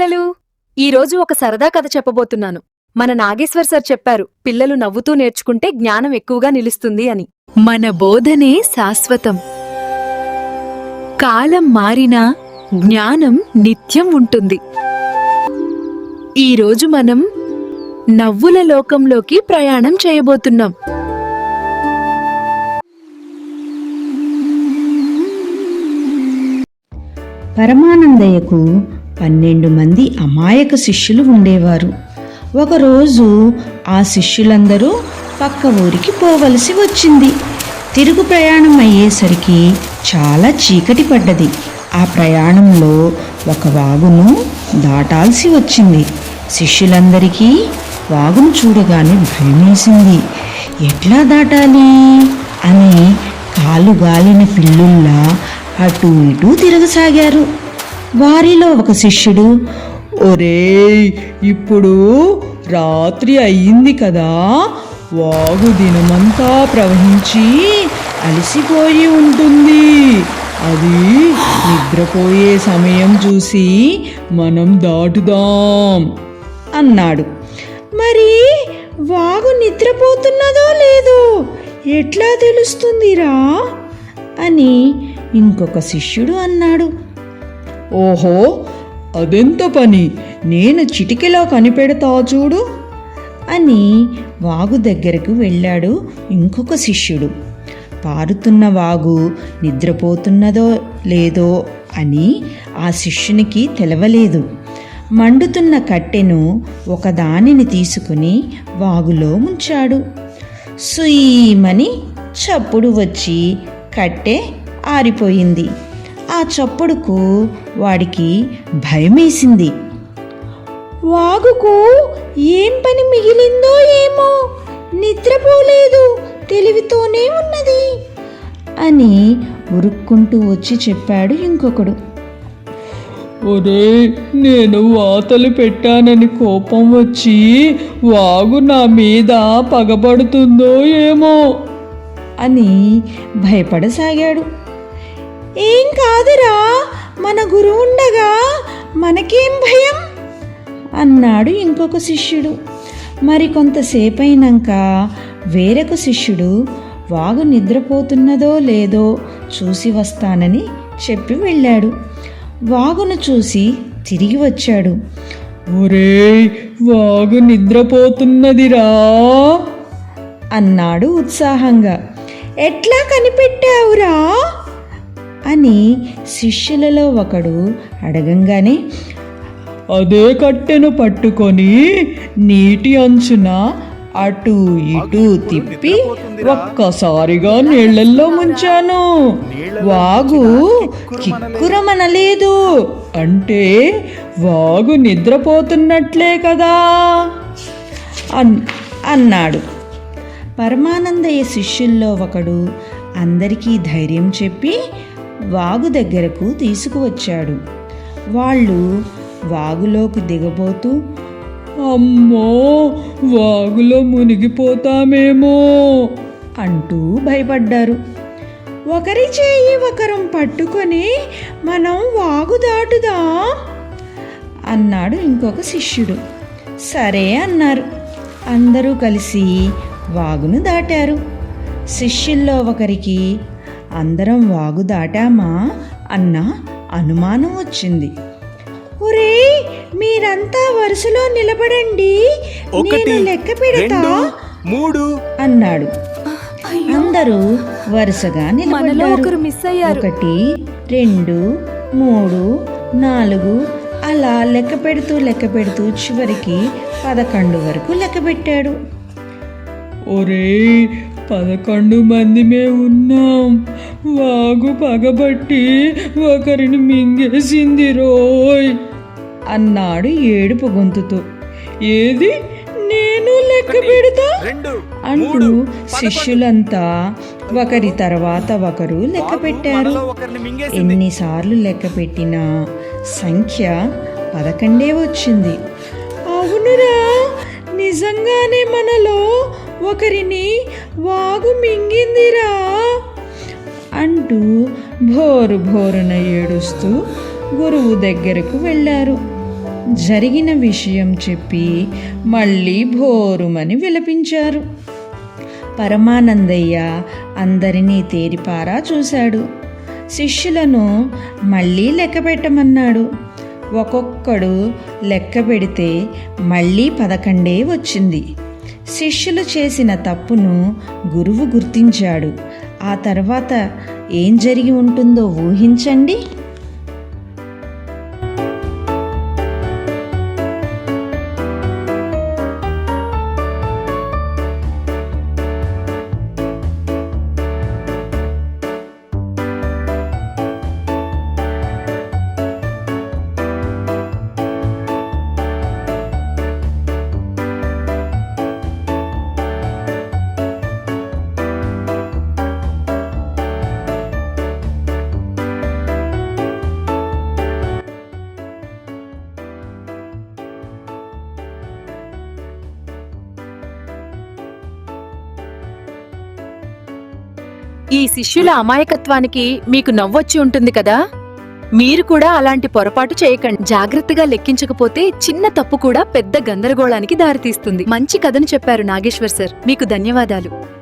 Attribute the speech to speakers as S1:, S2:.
S1: పిల్లలు, ఈరోజు ఒక సరదా కథ చెప్పబోతున్నాను. మన నాగేశ్వర్ సార్ చెప్పారు, పిల్లలు నవ్వుతూ నేర్చుకుంటే జ్ఞానం ఎక్కువగా నిలుస్తుంది అని. మన బోధనే శాశ్వతం. కాలం మారినా జ్ఞానం నిత్యం ఉంటుంది. ఈరోజు మనం నవ్వుల లోకంలోకి ప్రయాణం చేయబోతున్నాం.
S2: పరమానందయ్యకు 12 మంది అమాయక శిష్యులు ఉండేవారు. ఒకరోజు ఆ శిష్యులందరూ పక్క ఊరికి పోవలసి వచ్చింది. తిరుగు ప్రయాణం అయ్యేసరికి చాలా చీకటి పడ్డది. ఆ ప్రయాణంలో ఒక వాగును దాటాల్సి వచ్చింది. శిష్యులందరికీ వాగును చూడగానే భయమేసింది. ఎట్లా దాటాలి అని కాలు గాలిన పిల్లుల్లా అటూ ఇటూ తిరగసాగారు. వారిలో ఒక శిష్యుడు,
S3: ఒరేయ్, ఇప్పుడు రాత్రి అయ్యింది కదా, వాగు దినమంతా ప్రవహించి అలసిపోయి ఉంటుంది. అది నిద్రపోయే సమయం చూసి మనం దాటుదాం
S2: అన్నాడు. మరి వాగు నిద్రపోతున్నదో లేదో ఎట్లా తెలుస్తుందిరా అని ఇంకొక శిష్యుడు అన్నాడు.
S3: ఓహో, అదెంత పని, నేను చిటికెలా కనిపెడతా చూడు
S2: అని వాగు దగ్గరకు వెళ్ళాడు ఇంకొక శిష్యుడు. పారుతున్న వాగు నిద్రపోతున్నదో లేదో అని ఆ శిష్యునికి తెలవలేదు. మండుతున్న కట్టెను ఒకదానిని తీసుకుని వాగులో ముంచాడు. సుయీమని చప్పుడు వచ్చి కట్టె ఆరిపోయింది. ఆ చప్పుడుకు వాడికి భయమేసింది. వాగుకు ఏం పని మిగిలిందో ఏమో, నిద్రపోలేదు, తెలివితోనే ఉన్నది అని ఉరుక్కుంటూ వచ్చి చెప్పాడు ఇంకొకడు.
S3: ఒరే, నేను వాతలు పెట్టానని కోపం వచ్చి వాగు నా మీద పగబడుతుందో ఏమో
S2: అని భయపడసాగాడు. ఏం కాదురా, మన గురువు ఉండగా మనకేం భయం అన్నాడు ఇంకొక శిష్యుడు. మరి కొంతసేపైనాక వేరొక శిష్యుడు వాగు నిద్రపోతున్నదో లేదో చూసి వస్తానని చెప్పి వెళ్ళాడు. వాగును చూసి తిరిగి వచ్చాడు.
S3: ఒరేయ్, వాగు నిద్రపోతున్నదిరా
S2: అన్నాడు ఉత్సాహంగా. ఎట్లా కనిపెట్టావురా అని శిష్యులలో ఒకడు అడగంగానే,
S3: అదే కట్టెను పట్టుకొని నీటి అంచున అటు ఇటు తిప్పి ఒక్కసారిగా నీళ్ళల్లో ముంచాను. వాగు కిక్కురమనలేదు అంటే వాగు నిద్రపోతున్నట్లే కదా అన్నాడు. పరమానందయ్య శిష్యుల్లో ఒకడు అందరికీ ధైర్యం చెప్పి వాగు దగ్గరకు తీసుకువచ్చాడు. వాళ్ళు వాగులోకి దిగబోతూ, అమ్మో, వాగులో మునిగిపోతామేమో
S2: అంటూ భయపడ్డారు. ఒకరి చేయి ఒకరం పట్టుకొని మనం వాగు దాటుదాం అన్నాడు ఇంకొక శిష్యుడు. సరే అన్నారు. అందరూ కలిసి వాగును దాటారు. శిష్యుల్లో ఒకరికి అందరం వాగు దాటామా అన్న అనుమానం వచ్చింది. ఒరే, మీరంతా వరుసలో నిలబడండి, నేను లెక్క పెడతా అన్నాడు. అందరూ వరుసగా నిలబడ్డారు. 1 2 3 4 అలా లెక్క పెడుతూ చివరికి 11 వరకు లెక్క పెట్టాడు.
S3: ఒరే, 11 మందిమే ఉన్నాం. వాగు పగబట్టి ఒకరిని మింగేసింది రోయ్ అన్నాడు ఏడుపు గొంతుతో. ఏది, నేను లెక్క పెడతా అంటూ శిష్యులంతా ఒకరి తర్వాత ఒకరు లెక్క పెట్టారు. ఎన్నిసార్లు లెక్క పెట్టినా సంఖ్య 11 వచ్చింది. అవునురా, నిజంగానే మనలో ఒకరిని వాగు మింగిందిరా అంటూ భోరున ఏడుస్తూ గురువు దగ్గరకు వెళ్ళారు.
S2: జరిగిన విషయం చెప్పి మళ్ళీ భోరుమని విలపించారు. పరమానందయ్య అందరినీ తేరిపారా చూశాడు. శిష్యులను మళ్ళీ లెక్క పెట్టమన్నాడు. ఒక్కొక్కడు లెక్క పెడితే మళ్ళీ 11 వచ్చింది. శిష్యులు చేసిన తప్పును గురువు గుర్తించాడు. ఆ తర్వాత ఏం జరిగి ఉంటుందో ఊహించండి.
S1: ఈ శిష్యుల అమాయకత్వానికి మీకు నవ్వొచ్చి ఉంటుంది కదా. మీరు కూడా అలాంటి పొరపాటు చేయకండి. జాగ్రత్తగా లెక్కించకపోతే చిన్న తప్పు కూడా పెద్ద గందరగోళానికి దారితీస్తుంది. మంచి కథను చెప్పారు నాగేశ్వర్ సార్, మీకు ధన్యవాదాలు.